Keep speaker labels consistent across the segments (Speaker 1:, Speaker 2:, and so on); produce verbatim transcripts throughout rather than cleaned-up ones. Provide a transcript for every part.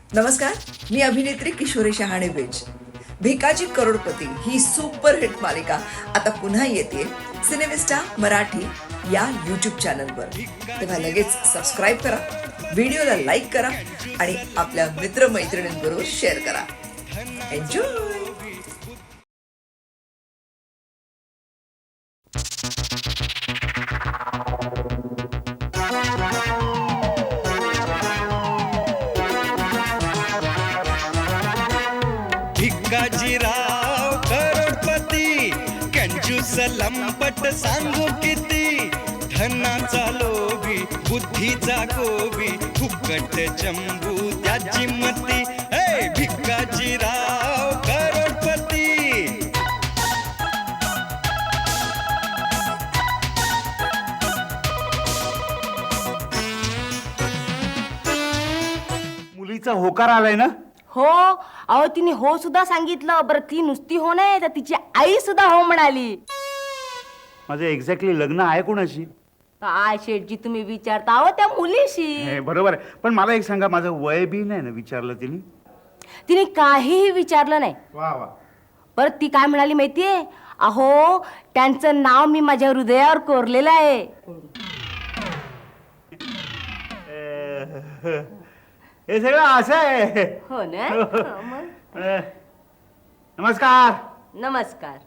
Speaker 1: नमस्कार, मी अभिनेत्री किशोरी शहाणे बेज. भिकाजी करोडपती ही सुपरहिट मालिका आता पुन्हा येते सिनेमिस्टा मराठी या यूट्यूब चॅनलवर. तेव्हा लगेच सबस्क्राईब करा, व्हिडिओला लाईक करा आणि आपल्या मित्रमैत्रिणींबरोबर शेअर करा. एन्जॉय.
Speaker 2: भिकाजीराव करोडपती कंजूस लंपट सांगू किती, धनाचा लोभी बुद्धीचा गोबी फुकट चंबू त्याची मती. हे भिकाजीराव करोडपती.
Speaker 3: मुलीचा होकार आलाय ना?
Speaker 4: हो, अहो तिने हो सुद्धा सांगितलं. बरं ती नुसती हो नाही तर तिची आई सुद्धा हो म्हणाली.
Speaker 3: माझं एक्झॅक्टली लग्न आहे कोणाशी?
Speaker 4: काय शेठजी तुम्ही विचारता अहो त्या मुलीशी.
Speaker 3: हे बरोबर आहे, पण मला एक सांगा, माझं वय बी नाही ना विचारलं तिने?
Speaker 4: तिने काहीही विचारलं नाही.
Speaker 3: वा वा.
Speaker 4: परत ती काय म्हणाली माहितीये? अहो त्यांचं नाव मी माझ्या हृदयावर कोरलेलं आहे.
Speaker 3: हे सगळं असं आहे.
Speaker 4: हो ना. हो, मग.
Speaker 3: अ, नमस्कार.
Speaker 4: नमस्कार.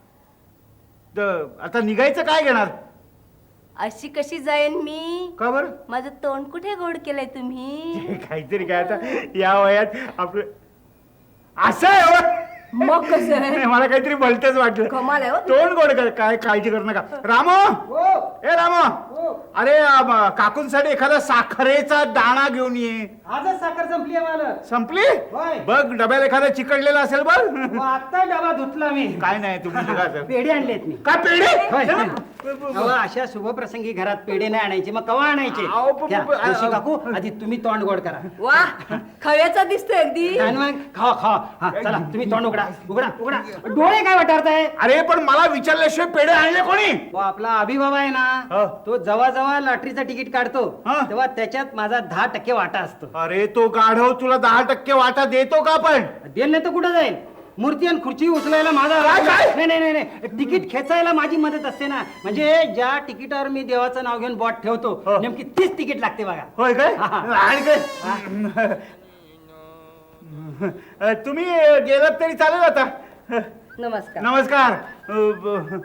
Speaker 3: द- आता निघायचं काय घेणार?
Speaker 4: अशी कशी जाईन मी?
Speaker 3: का बरं?
Speaker 4: माझं तोंड कुठे गोड केलंय तुम्ही?
Speaker 3: काहीतरी काय आता या वयात आपलं असं आहे हो.
Speaker 4: मग कसं आहे?
Speaker 3: नाही, मला काहीतरी भलतच वाटलं.
Speaker 4: कमाल आहे हो.
Speaker 3: तोंड गोड कर, काय काळजी करू नका. रामो, ए रामो, अरे अम, काकूंसाठी एखादा साखरेचा दाणा घेऊन ये.
Speaker 5: आजच साखर संपली आहे मला.
Speaker 3: संपली?
Speaker 5: होय.
Speaker 3: बघ डब्याला एखादा चिकटलेला असेल बघ.
Speaker 5: मग आता डबा धुतला मी.
Speaker 3: काय नाही तुम्ही निघा सर.
Speaker 5: पेढे आणलेत मी.
Speaker 3: काय पेढे?
Speaker 5: होय. अहो, अशा शुभप्रसंगी घरात पेढे नाही आणायचे, मग कवा आणायचे?
Speaker 3: अहो, प- प-
Speaker 5: घ्या,
Speaker 3: प- आ-
Speaker 5: जोशी काकू आधी तुम्ही तोंड गोड करा.
Speaker 4: वा, खव्याचा दिसतोय अगदी.
Speaker 5: आणि मग खावा खावा. हा चला तुम्ही तोंड उघडा उघडा उघडा. डोळे काय वाटारताय?
Speaker 3: अरे पण मला विचारल्याशिवाय पेढे आणले कोणी?
Speaker 5: तो आपला अभिभाव आहे
Speaker 3: हा.
Speaker 5: ना, तो जेव्हा जेव्हा लॉटरीचं तिकीट काढतो
Speaker 3: हा.
Speaker 5: तेव्हा त्याच्यात माझा दहा टक्के वाटा असतो.
Speaker 3: अरे तो गाढव तुला दहा टक्के वाटा देतो का? पण
Speaker 5: देल नाही तर कुठं जाईल? मूर्ती आणि खुर्ची उचलायला माझा
Speaker 3: काय, काय?
Speaker 5: नाही नाही नाही नाही. तिकीट खेचायला माझी मदत असते ना. म्हणजे ज्या तिकीटावर मी देवाचं नाव घेऊन बॉट ठेवतो
Speaker 3: हो.
Speaker 5: नेमकी तीच तिकीट लागते बघा.
Speaker 3: होय काय?
Speaker 5: हा, हा.
Speaker 3: आणि काय? अ, तुम्ही गेलात तरी चालेल आता.
Speaker 4: नमस्कार.
Speaker 3: नमस्कार. अ, ब-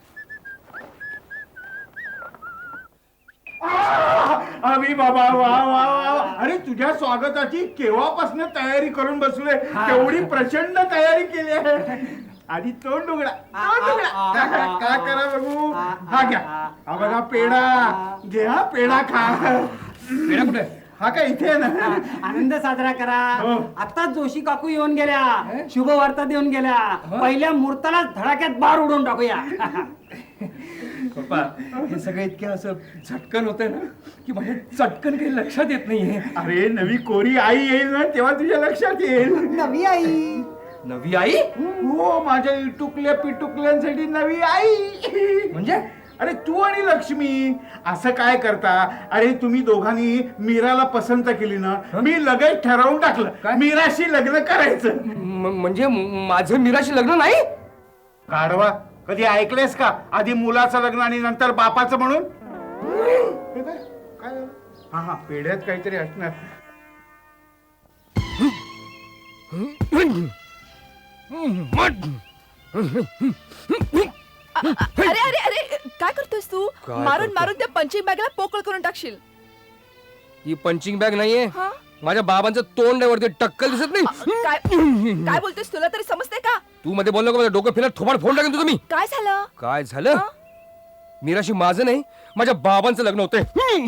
Speaker 3: आ, अरे बाबा वा वा वा. अरे तुझ्या स्वागताची केव्हापासून तयारी करून बसलोय. तेवढी प्रचंड तयारी केली आहे. आधी तोंड उघडा, तोंड उघडा. काय करा बघू. हा घ्या, हा बघा पेढा. घे हा पेढा खा. पेढा कुठे? हा काय इथे आहे ना?
Speaker 5: आनंद साजरा करा.
Speaker 3: हो.
Speaker 5: आता जोशी काकू येऊन गेल्या, शुभ वार्ता देऊन गेल्या. पहिल्या मुहूर्ताला धडाक्यात बार उडवून टाकूया.
Speaker 6: पप्पा, हे सगळं इतकं असं झटकन होतंय ना की माझ्या चटकन काही लक्षात येत नाहीये.
Speaker 3: अरे नवी कोरी आई येईल ना तेव्हा तुझ्या लक्षात येईल.
Speaker 5: नवी आई.
Speaker 6: नवी आई
Speaker 3: हो, माझ्या इटुकल्या पिटुकल्यांसाठी नवी आई.
Speaker 6: म्हणजे?
Speaker 3: अरे तू आणि लक्ष्मी असं काय करता? अरे तुम्ही दोघांनी मीराला पसंत केली ना, मी लगेच ठरवून टाकलं
Speaker 6: काय?
Speaker 3: मीराशी लग्न करायचं.
Speaker 6: म- म्हणजे माझं मीराशी लग्न नाही?
Speaker 3: काढवा, कधी ऐकलेस का आधी मुलाचं लग्न आणि नंतर बापाचं म्हणून? हे काय? काय झालं? हा हा, पेढ्यात काहीतरी असणार.
Speaker 7: अरे अरे अरे काय करतोयस तू?
Speaker 6: काय
Speaker 7: मारून
Speaker 6: करतो?
Speaker 7: मारून त्या पंचिंग बॅगला पोकळ करून टाकशील.
Speaker 6: ही पंचिंग बॅग नाहीये.
Speaker 7: हा?
Speaker 6: माझ्या बाबांचं तोंड आहे वरती, टक्कल दिसत नाही.
Speaker 7: काय काय बोलतोयस? तुला तरी समजते का?
Speaker 6: तू मध्ये बोललो का माझं डोकं फिरत थोबाड फोन टाकेन तुझं मी.
Speaker 7: काय झालं?
Speaker 6: काय झालं? मीराशी माझं नाही, माझ्या बाबांचं लग्न होतंय.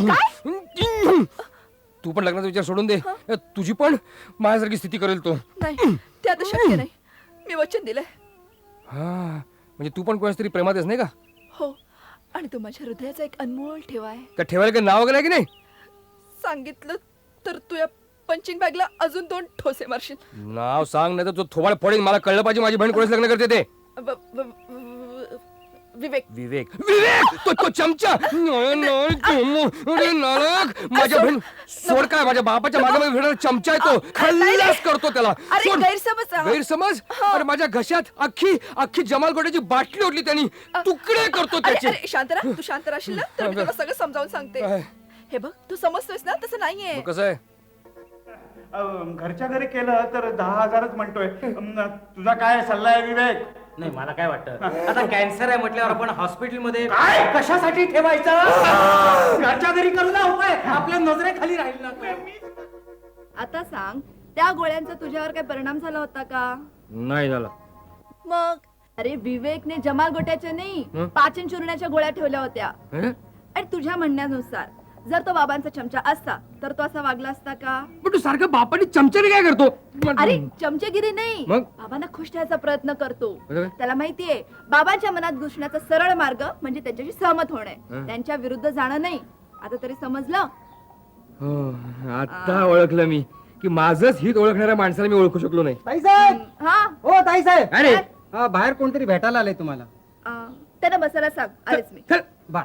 Speaker 6: तू पण लग्नाचा विचार सोडून दे. तुझी पण माझ्यासारखी स्थिती करेल तो.
Speaker 7: नाही, ते आता शक्य नाही. मी वचन दिलंय.
Speaker 6: हा, म्हणजे तू पण कोणाच तरी प्रेमात आहेस नाही का?
Speaker 7: हो, आणि तो माझ्या हृदयाचा एक अनमोल ठेवा आहे.
Speaker 6: का ठेवायला काही नाव वगैरे आहे की नाही?
Speaker 7: सांगितलं तर तू या पंचिंग बॅगला अजून दोन ठोसे मारशील.
Speaker 6: नाव सांग, नाही तर तो थोबाड फोडेन. मला कळलं पाहिजे माझी बहीण कोणाच लग्न करते ते.
Speaker 7: ब- ब- ब- विवेक
Speaker 6: विवेक विवेक तो तो चमचा नाही, नाही, तुम- अरे नालायक. माझ्या बहीण सोड काय माझ्या बापाच्या मागे मागे फिरणारा चमचा आहे तो. खल्लास करतो त्याला.
Speaker 7: अरे,
Speaker 6: सोड.
Speaker 7: गैरसमज हा.
Speaker 6: गैरसमज अरे माझ्या घशात अख्खी अख्खी जमाल गोट्याची बाटली ओढली त्यांनी. तुकडे करतो
Speaker 7: अरे
Speaker 6: त्याचे.
Speaker 7: अरे शांत राहा तू शांत राहशील ना तर मी तुला सगळं समजावून सांगते.
Speaker 6: काय?
Speaker 7: हे बघ तू समजतोयस ना तसं नाहीये.
Speaker 6: मग कसं आहे
Speaker 3: अं, घरच्या घरी केलं तर दहा हजारच म्हणतोय. अं, तुझा काय सल्ला आहे विवेक?
Speaker 5: नाही मला काय वाटतं आता कॅन्सर आहे म्हटल्यावर आपण हॉस्पिटलमध्ये
Speaker 3: काय?
Speaker 5: कशासाठी ठेवायचं घरच्या घरी करू ना उपाय आपल्या नजरेखाली राहील ना तो.
Speaker 8: आता सांग त्या गोळ्यांचा तुझ्यावर काय परिणाम झाला होता का?
Speaker 6: नाही झाला.
Speaker 8: मग अरे विवेकने जमाल गोट्याच्या नाही पाचन चूर्णाच्या गोळ्या ठेवल्या होत्या.
Speaker 6: हं?
Speaker 8: आणि तुझ्या म्हणण्यानुसार जर तो बाबांचा चमचा असता तर तो असा वागला असता का?
Speaker 6: पण तू सारखं बापाने चमच्याने काय करतो.
Speaker 8: अरे चमचेगिरी नाही,
Speaker 6: मग?
Speaker 8: बाबांना खुश ठेवायचा प्रयत्न करतो.
Speaker 6: म्हणजे?
Speaker 8: त्याला माहितीये बाबांच्या मनात घुसण्याचा सरळ मार्ग म्हणजे त्यांच्याशी सहमत होणे,
Speaker 6: हं.
Speaker 8: त्यांच्या विरुद्ध जाणं नाही. आता तरी समजलं?
Speaker 6: हो, आता ओळखलं मी की माझंच हित ओळखणाऱ्या माणसाला मी ओळखू शकलो नाही.
Speaker 5: ताई साहेब
Speaker 8: हा
Speaker 5: हो ताई साहेब
Speaker 6: अरे
Speaker 5: हा, बाहेर कोणतरी भेटायला आलंय तुम्हाला.
Speaker 8: अं, त्यांना बसायला सांग. आलेच मी.
Speaker 6: चल.
Speaker 5: बा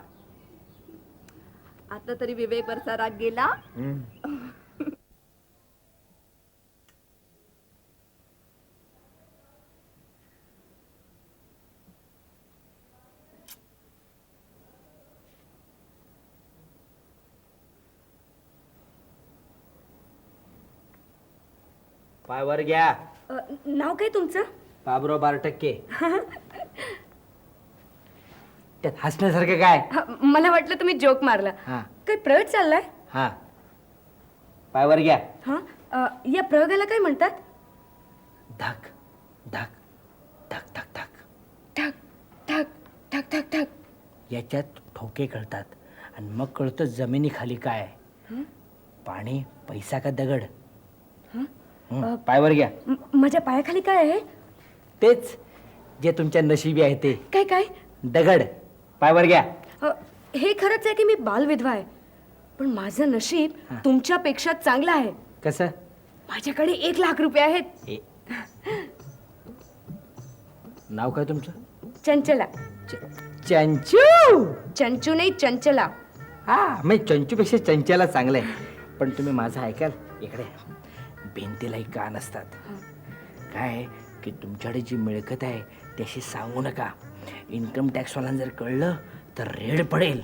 Speaker 8: आता तरी विवेक वरचा राग गेला.
Speaker 5: पायवर घ्या.
Speaker 4: अ, नाव काय तुमचं?
Speaker 5: बाबुराव बारा टक्के. त्यात हसण्यासारखं काय?
Speaker 4: हा, मला वाटलं तुम्ही जोक मारला.
Speaker 5: हा
Speaker 4: काय प्रयोग चाललाय?
Speaker 5: हा पायवर घ्या.
Speaker 4: हा अ, या प्रयोगाला काय म्हणतात?
Speaker 5: धक धक धक धक धक.
Speaker 4: ठक ठक ठक ठक ठक.
Speaker 5: याच्यात ठोके कळतात आणि मग कळतं जमिनीखाली काय. पाणी पैसा का दगड. हं, पायवर घ्या.
Speaker 4: म- माझ्या पायाखाली काय आहे?
Speaker 5: तेच जे तुमच्या नशिबी आहे ते
Speaker 4: काय काय?
Speaker 5: दगड. पायवर घ्या.
Speaker 4: अ, हे खरंच आहे की मी बालविधवा आहे, पण माझं नशीब तुमच्यापेक्षा चांगलं आहे.
Speaker 5: कसं?
Speaker 4: माझ्याकडे एक लाख रुपये आहेत.
Speaker 5: ए. नाव काय तुमचं?
Speaker 4: चंचला.
Speaker 5: चंचू.
Speaker 4: चंचू नाही, चंचला.
Speaker 5: हा मी चंचूपेक्षा चंचला चांगलं आहे. पण तुम्ही माझं ऐकाल इकडे भिंतीलाही कान असतात. काय की तुमच्याकडे जी मिळकत आहे त्याशी सांगू नका. इन्कम टॅक्सवाल्यांना जर कळलं तर रेड पडेल.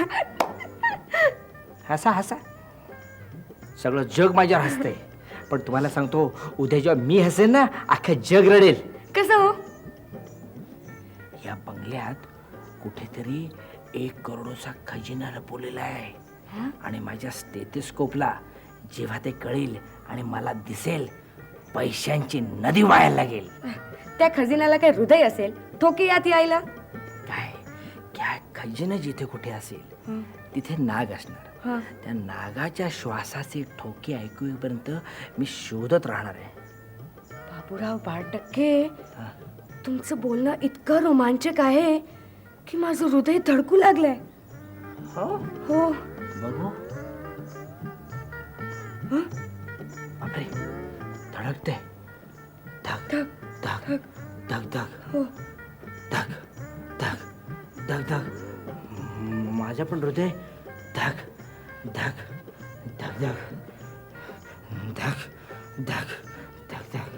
Speaker 5: हसा हसा. सगळं जग माझ्यावर हसतंय, पण तुम्हाला सांगतो उद्या जेव्हा मी हसेन ना अख्खं जग रडेल.
Speaker 4: कसं हो?
Speaker 5: या बंगल्यात कुठेतरी एक करोडचा खजिना लपवलेला आहे आणि माझ्या स्टेथिस्कोपला जेव्हा ते कळेल आणि मला दिसेल पैशांची नदी वाहायला लागेल.
Speaker 4: त्या खजिन्याला काय हृदय असेल ठोके यात यायला?
Speaker 5: काय क्या खजिना जिथे कुठे असेल तिथे नाग असणार. त्या नागाच्या श्वासाचे ठोके ऐकू येईपर्यंत मी शोधत राहणार आहे.
Speaker 4: बाबूराव बाळटक्के, तुमचं बोलणं इतकं रोमांचक आहे की माझं हृदय धडकू लागलंय.
Speaker 5: हो
Speaker 4: हो.
Speaker 5: बघू. बापरे धडकते. धक धक धक धक
Speaker 4: हो.
Speaker 5: धक धक धक धक. म- माझं पण हृदय धक धक धक धक धक धक धक धक.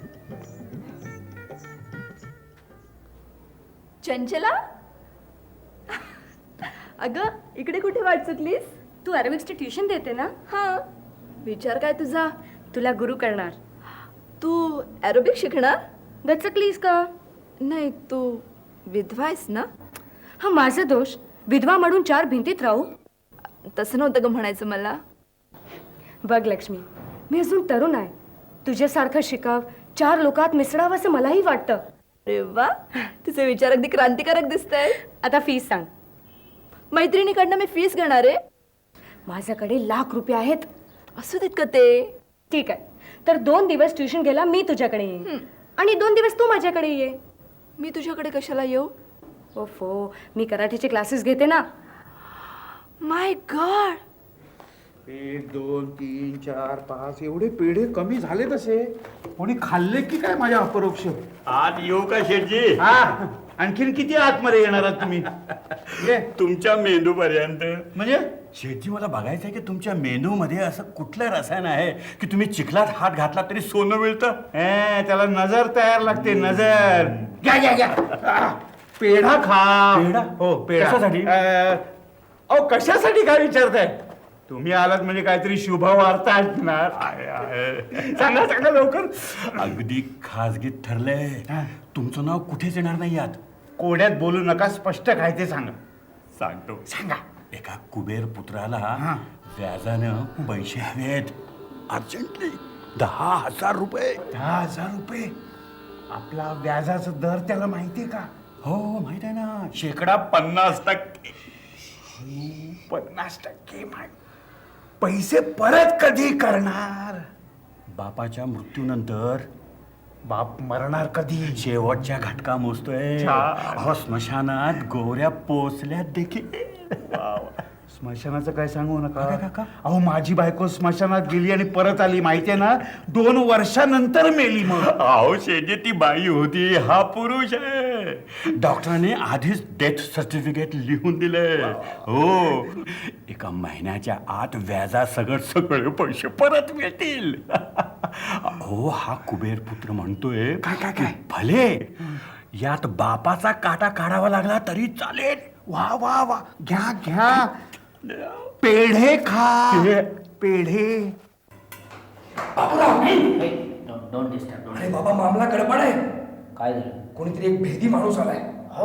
Speaker 8: चंचला, अगं इकडे कुठे वाट चुकलीस?
Speaker 4: तू अरेबिक्सची ट्युशन देते ना?
Speaker 8: हा, विचार काय तुझा?
Speaker 4: तुला गुरु करणार.
Speaker 8: तू एरोबिक शिकणार?
Speaker 4: दचकलीस का?
Speaker 8: नाही, तू विधवा आहेस ना?
Speaker 4: हा माझा दोष. विधवा म्हणून चार भिंतीत राहू?
Speaker 8: तसं नव्हतं ग म्हणायचं मला.
Speaker 4: बघ लक्ष्मी, मी अजून तरुण आहे. तुझ्यासारखं शिकाव, चार लोकात मिसळावं असं मलाही वाटतं.
Speaker 8: अरे वा, तुझे विचार अगदी क्रांतिकारक दिसत आहे.
Speaker 4: आता फीस सांग.
Speaker 8: मैत्रिणीकडनं मी फीस घेणार आहे.
Speaker 4: माझ्याकडे लाख रुपये आहेत.
Speaker 8: असू देत का ते?
Speaker 4: ठीक आहे, तर दोन दिवस ट्युशन घ्यायला मी तुझ्याकडे येईन आणि दोन दिवस तू माझ्याकडे ये.
Speaker 8: मी तुझ्याकडे कशाला येऊ?
Speaker 4: ओफो, मी कराटेचे क्लासेस घेते ना.
Speaker 8: माय गॉड,
Speaker 3: एक दोन तीन चार पाच एवढे पेढे कमी झाले तसे. कोणी खाल्ले की काय माझ्या अपरोक्ष?
Speaker 9: आज येऊ का शेठजी?
Speaker 3: हा आणखीन किती आतमध्ये येणार आहात तुम्ही ये.
Speaker 9: तुमच्या मेंदू पर्यंत.
Speaker 3: म्हणजे
Speaker 9: शेठजी मला बघायचं आहे की तुमच्या मेंदू मध्ये असं कुठलं रसायन आहे की तुम्ही चिखलात हात घातला तरी सोनं मिळतं.
Speaker 3: ए, त्याला नजर तयार लागते नजर. घ्या घ्या घ्या आ, पेढा खा.
Speaker 9: पेढा?
Speaker 3: हो पेढा.
Speaker 9: कशासाठी?
Speaker 3: अ, अहो कशासाठी काय विचारताय? तुम्ही आलात म्हणजे काहीतरी शुभ वार्ता ऐकणार. सांगा सांगा लवकर.
Speaker 9: अगदी खाजगीत ठरलंय. तुमचं नाव कुठेच येणार नाही यात.
Speaker 3: कोड्यात बोलू नका, स्पष्ट काय ते सांगा.
Speaker 9: सांगतो.
Speaker 3: सांगा.
Speaker 9: एका कुबेर पुत्राला
Speaker 3: हा.
Speaker 9: व्याजानं पैसे हवेत अर्जंटली. दहा हजार रुपये.
Speaker 3: दहा हजार रुपये आपला व्याजाचा दर त्याला माहितीये का?
Speaker 9: हो माहित आहे ना, शेकडा पन्नास टक्के.
Speaker 3: पन्नास टक्के माहिती. पैसे परत कधी करणार?
Speaker 9: बापाच्या मृत्यूनंतर.
Speaker 3: बाप मरणार कधी?
Speaker 9: शेवटच्या घटका मोजतोय.
Speaker 3: छा.
Speaker 9: अहो स्मशानात गोऱ्या पोचल्यात देखील.
Speaker 3: स्मशानाचं काय सांगू
Speaker 9: का, का,
Speaker 3: नका.
Speaker 9: का?
Speaker 3: अहो माझी बायको स्मशानात गेली आणि परत आली माहितीये ना, दोन वर्षानंतर मेली. मग
Speaker 9: अहो शेजे ती बाई होती, हा पुरुष आहे. डॉक्टरांनी आधीच डेथ सर्टिफिकेट लिहून दिले. हो, एका महिन्याच्या आत व्याजा सगळं सगळे पैसे परत मिळतील. हो, हा कुबेर पुत्र म्हणतोय
Speaker 3: काय, काय,
Speaker 9: की
Speaker 3: काय?
Speaker 9: भले यात बापाचा काटा काढावा लागला तरी चालेल.
Speaker 3: वा वा वा. घ्या घ्या पेढे खा. पेढे.
Speaker 5: Don't disturb.
Speaker 6: अरे बाबा मामला गडबड आहे.
Speaker 5: काय झालं?
Speaker 6: कोणीतरी एक भेदी माणूस आलाय.
Speaker 5: हो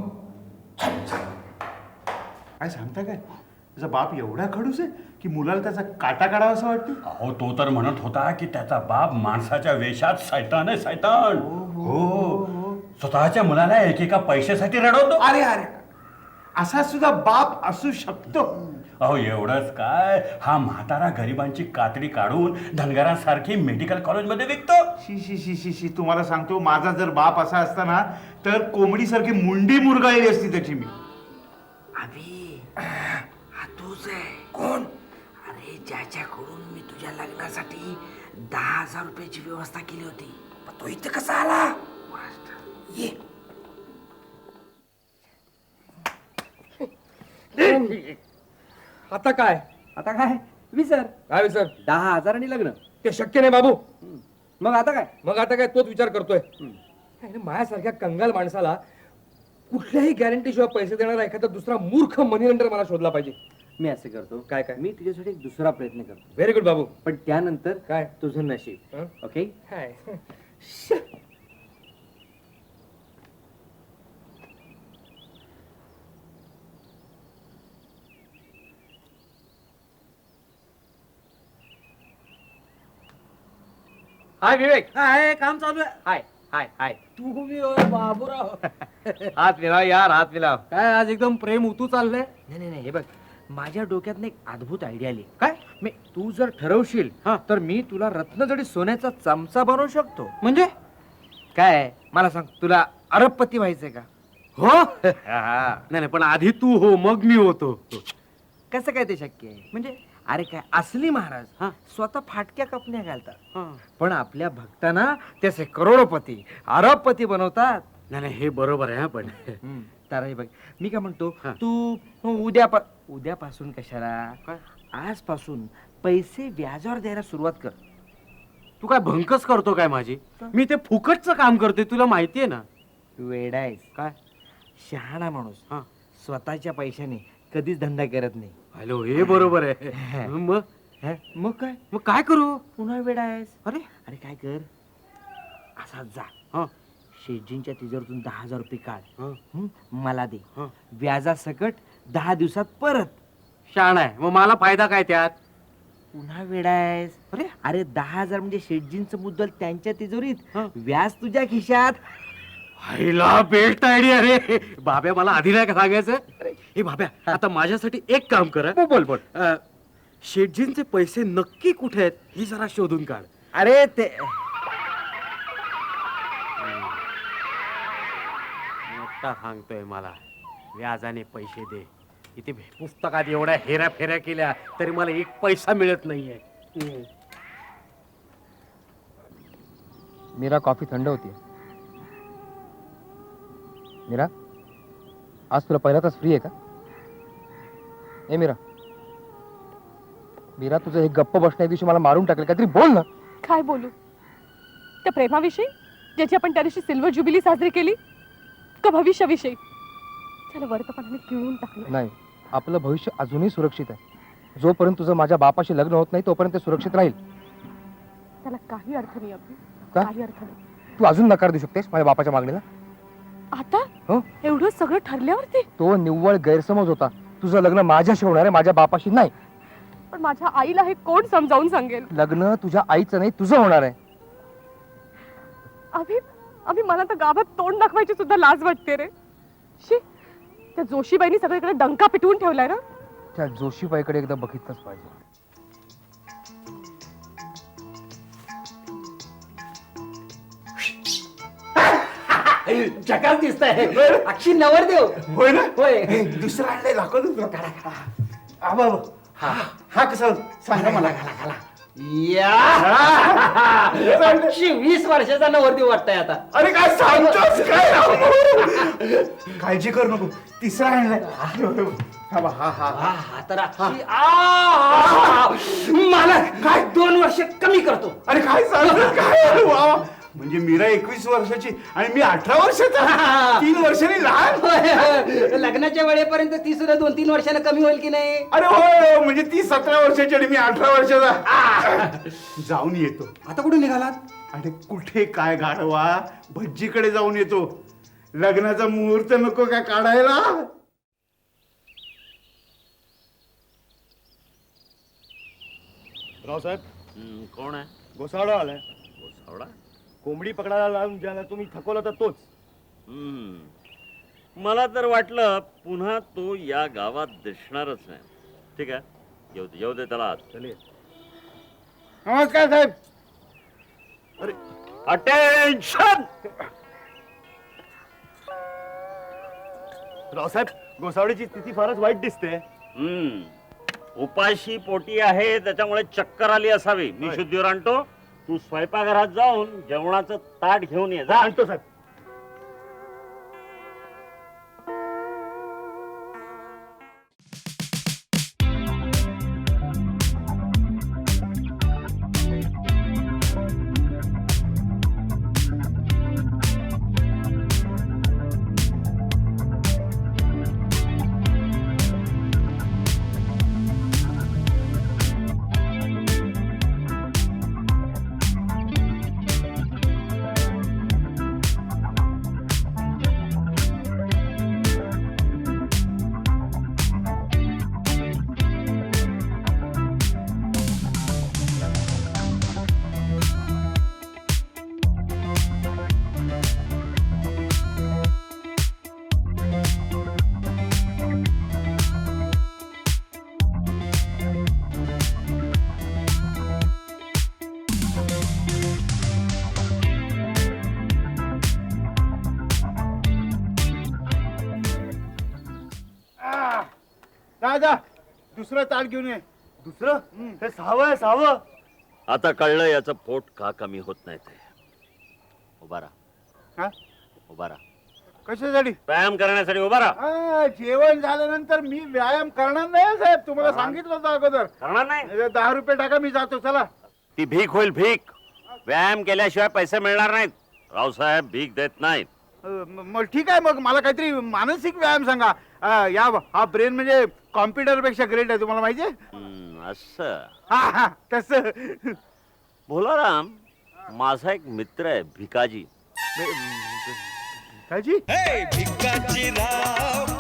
Speaker 3: काय सांगता काय? त्याचा बाप एवढा खडूस आहे की मुलाला त्याचा काटा काढावा असं वाटतं.
Speaker 9: अहो तो तर म्हणत होता की त्याचा बाप माणसाच्या वेशात सैतान आहे, सैतान. हो, स्वतःच्या मुलाला एकेका पैशासाठी रडवतो.
Speaker 3: अरे अरे, असा सुद्धा बाप असू शकतो.
Speaker 9: अहो एवढंच काय, हा म्हातारा गरिबांची कातडी काढून धनगरांसारखी मेडिकल कॉलेजमध्ये विकतो.
Speaker 3: शी शी शी शी शी तुम्हाला सांगतो, माझा जर बाप असा असता ना तर कोंबडीसारखी मुंडी मुरगाळली असती त्याची मी.
Speaker 5: अभि, हा तूच आहे. कोण? अरे ज्याच्याकडून मी तुझ्या लग्नासाठी दहा हजार रुपयाची व्यवस्था केली होती. पण तो इथे कसा आला? ये.
Speaker 6: आता काय?
Speaker 10: आता काय विसर.
Speaker 6: काय विसर?
Speaker 10: दहा हजारांनी लग्न.
Speaker 6: ते शक्य नाही बाबू.
Speaker 10: मग आता काय?
Speaker 6: मग आता काय तोच विचार करतोय. अरे माझ्यासारख्या कंगाल माणसाला कुठल्याही गॅरंटी शिवाय पैसे देणारा एखादा दुसरा मूर्ख मनी लेंडर मला शोधला पाहिजे.
Speaker 10: मी असं करतो.
Speaker 6: काय काय?
Speaker 10: मी तुझ्यासाठी एक दुसरा प्रयत्न करतो.
Speaker 6: व्हेरी गुड बाबू.
Speaker 10: पण त्यानंतर
Speaker 6: काय?
Speaker 10: तुझं नशीब.
Speaker 6: हं?
Speaker 10: ओके.
Speaker 6: काय?
Speaker 10: हाय विवेक.
Speaker 5: हाय, काम चालू आहे.
Speaker 10: हाय हाय हाय.
Speaker 5: तू मी बाबूराव.
Speaker 10: हात मिलाव यार, हात मिलाव. काय आज एकदम प्रेम उतू चाललंय.
Speaker 5: नाही नाही नाही, हे बघ, माझ्या डोक्यात एक अद्भुत आयडिया आली.
Speaker 10: काय?
Speaker 5: मी तू जर ठरवशील
Speaker 10: हा.
Speaker 5: तर मी तुला रत्नजडी सोन्याचा चमचा बनवू शकतो.
Speaker 10: म्हणजे
Speaker 5: काय मला सांग, तुला अरबपती व्हायचंय का?
Speaker 10: हो. नाही नाही, पण आधी तू हो मग मी होतो.
Speaker 5: कसं काय ते शक्य आहे? म्हणजे अरे काय, असली महाराज
Speaker 10: हा.
Speaker 5: स्वतः फाटक्या कपन्या घालतात,
Speaker 10: हं.
Speaker 5: पण आपल्या भक्तांना त्याचे करोडपती अरबपती बनवतात.
Speaker 10: नाही नाही, हे बरोबर आहे. हा, पण
Speaker 5: हम्म. तर हे बघ, मी काय म्हणतो,
Speaker 10: हा.
Speaker 5: तू उद्या उद्यापासून कशाला,
Speaker 10: काय?
Speaker 5: आजपासून पैसे व्याजावर द्यायला सुरुवात कर.
Speaker 10: तू काय भंकस करतो काय माझी? मी ते फुकटचं काम करते, तुला माहितीये ना.
Speaker 5: वेडायस
Speaker 10: काय?
Speaker 5: शहाणा माणूस
Speaker 10: हा.
Speaker 5: स्वतःच्या पैशाने कधीच धंदा करत नाही.
Speaker 10: हॅलो, हे बरोबर आहे. मग
Speaker 5: हे? मग काय,
Speaker 10: मग काय करू?
Speaker 5: पुन्हा वेडायस.
Speaker 10: अरे
Speaker 5: अरे काय कर, असा जा
Speaker 10: हा
Speaker 5: शेटजींच्या तिजोरीतून दहा हजार रुपये काढ,
Speaker 10: हा
Speaker 5: हं? मला दे,
Speaker 10: हा.
Speaker 5: व्याजासकट दहा दिवसात परत.
Speaker 10: शाण आहे. मग मला फायदा काय त्यात?
Speaker 5: पुन्हा वेडायस.
Speaker 10: अरे
Speaker 5: अरे दहा हजार म्हणजे शेटजींचं मुद्दल त्यांच्या तिजोरीत,
Speaker 10: हा.
Speaker 5: व्याज तुझ्या खिशात.
Speaker 10: हायला बेस्ट आयडिया रे. बाब्या, मला आधी नाही का सांगायचं? हे बाब्या, आता माझ्यासाठी एक काम कर. हं.
Speaker 5: बोल बोल.
Speaker 10: अं, शेटजींचे पैसे नक्की कुठे आहेत ही जरा शोधून काढ.
Speaker 5: अरे ते
Speaker 10: मोठा सांगतोय मला व्याजाने पैसे दे. इथे पुस्तकात एवढ्या हेऱ्या फेऱ्या केल्या तरी मला एक पैसा मिळत नाहीये.
Speaker 6: मीरा, कॉफी थंड होती. मीरा, आज तुला पहिला तास फ्री आहे का? ए मीरा, मीरा तुझं हे गप्प बसण्या दिवशी मला मारून टाकेल, काहीतरी बोल ना.
Speaker 4: काय बोलू? त्या प्रेमाविषयी ज्याची आपण त्या दिवशी सिल्वर ज्युबिली साजरी केली, का भविष्याविषयी? त्याला वर्तमानाने पिळून टाकलं.
Speaker 6: नाही, आपलं भविष्य अजूनही सुरक्षित आहे. जोपर्यंत तुझं माझ्या बापाशी लग्न होत नाही तोपर्यंत ते सुरक्षित राहील.
Speaker 4: त्याला काही अर्थ नाही अभि,
Speaker 6: का?
Speaker 4: काही अर्थ नाही.
Speaker 6: तू अजून नकार देऊ शकतेस माझ्या बापाच्या मागणीला?
Speaker 4: आता
Speaker 6: हो,
Speaker 4: एवढं सगळं ठरल्यावरती?
Speaker 6: तो निव्वळ गैरसमज होता. तुझं लग्न माझ्याशी होणार आहे, माझ्या बापाशी नाही.
Speaker 4: पण माझ्या आईला हे कोण समजावून सांगेल?
Speaker 6: लग्न तुझ्या आईचं नाही, तुझं होणार आहे.
Speaker 4: अभि, अभि मला तर गावात तोंड दाखवायची सुद्धा लाज वाटते रे. शी, त्या जोशीबाईंनी सगळीकडे डंका पिटवून ठेवलाय ना.
Speaker 6: त्या जोशीबाईकडे एकदा बघितलंच पाहिजे.
Speaker 5: जगात दिसतंय अक्षी नवरदेव.
Speaker 3: होय ना?
Speaker 5: होय.
Speaker 3: दुसरा आणलाय, दाखव दुसरा. आबा, हा हा कसा सांगा मला.
Speaker 5: या अक्षी वीस वर्षाचा नवरदेव वाटतंय आता.
Speaker 3: अरे काय सांगतोस काय? काळजी करू नको, तिसरा आणलाय. हा बा, हा हा
Speaker 5: हा, हा तर अक्षी आ, मला काय दोन वर्ष कमी करतो.
Speaker 3: अरे काय सांगतोस काय? वा, म्हणजे मीरा एकवीस वर्षाची आणि मी अठरा वर्षाचा, तीन वर्षांनी लहान.
Speaker 5: होय, लग्नाच्या वेळेपर्यंत ती सुद्धा दोन तीन वर्षाला कमी होईल की नाही?
Speaker 3: अरे होय, म्हणजे ती सतरा वर्षाची आणि मी अठरा वर्षाचा. जाऊन येतो.
Speaker 5: आता कुठे निघालात?
Speaker 3: अरे कुठे काय गाढवा, भज्जीकडे जाऊन येतो. लग्नाचा मुहूर्त नको काय काढायला?
Speaker 9: रावसाहेब,
Speaker 10: कोण आहे?
Speaker 9: गोसावडा आलाय.
Speaker 10: गोसावडा?
Speaker 9: कोंबडी पकडायला लावून ज्याला तुम्ही थकवलं तर तोच.
Speaker 10: हम्म. मला तर वाटलं पुन्हा तो या गावात दिसणारच नाही. ठीक आहे, येऊ दे येऊ दे त्याला आत.
Speaker 9: चले.
Speaker 3: नमस्कार साहेब.
Speaker 10: अरे अटेन्शन!
Speaker 9: रावसाहेब, गोसावडीची स्थिती फारच वाईट दिसते.
Speaker 10: हम्म. उपाशी पोटी आहे, त्याच्यामुळे चक्कर आली असावी. मी शुद्धीवर आणतो. तू स्वयंपाकघरात जाऊन जेवणाचं ताट घेऊन ये. जा.
Speaker 9: आणतो साहेब.
Speaker 3: जा जा, दुसरं ताट घेऊन ये.
Speaker 9: दुसरं हे सहावं आहे, सहावं.
Speaker 10: आता कळलं याचं पोट का कमी होत नाही ते. उभा राहा.
Speaker 3: हा?
Speaker 10: उभा राहा.
Speaker 3: कशासाठी?
Speaker 10: व्यायाम करण्यासाठी उभा राहा.
Speaker 3: आ, जेवण झाल्यानंतर मी व्यायाम करणार नाही साहेब, तुम्हाला सांगितलं होतं अगोदर.
Speaker 10: करणार नाही?
Speaker 3: दहा रुपये टाका, मी जातो. चला.
Speaker 10: ती भीक होईल भीक. व्यायाम केल्याशिवाय पैसे मिळणार नाहीत. रावसाहेब भीक देत नाहीत.
Speaker 3: अ, म- मग ठीक आहे, मग मला काहीतरी मानसिक व्यायाम सांगा. अ, या हा ब्रेन म्हणजे कॉम्प्युटर पेक्षा ग्रेट आहे, तुम्हाला माहितीये?
Speaker 10: हम्म, असं.
Speaker 3: हा हा तसं.
Speaker 10: भोलाराम, माझा एक मित्र आहे भिकाजी.
Speaker 3: काजी
Speaker 2: भिकाजी राव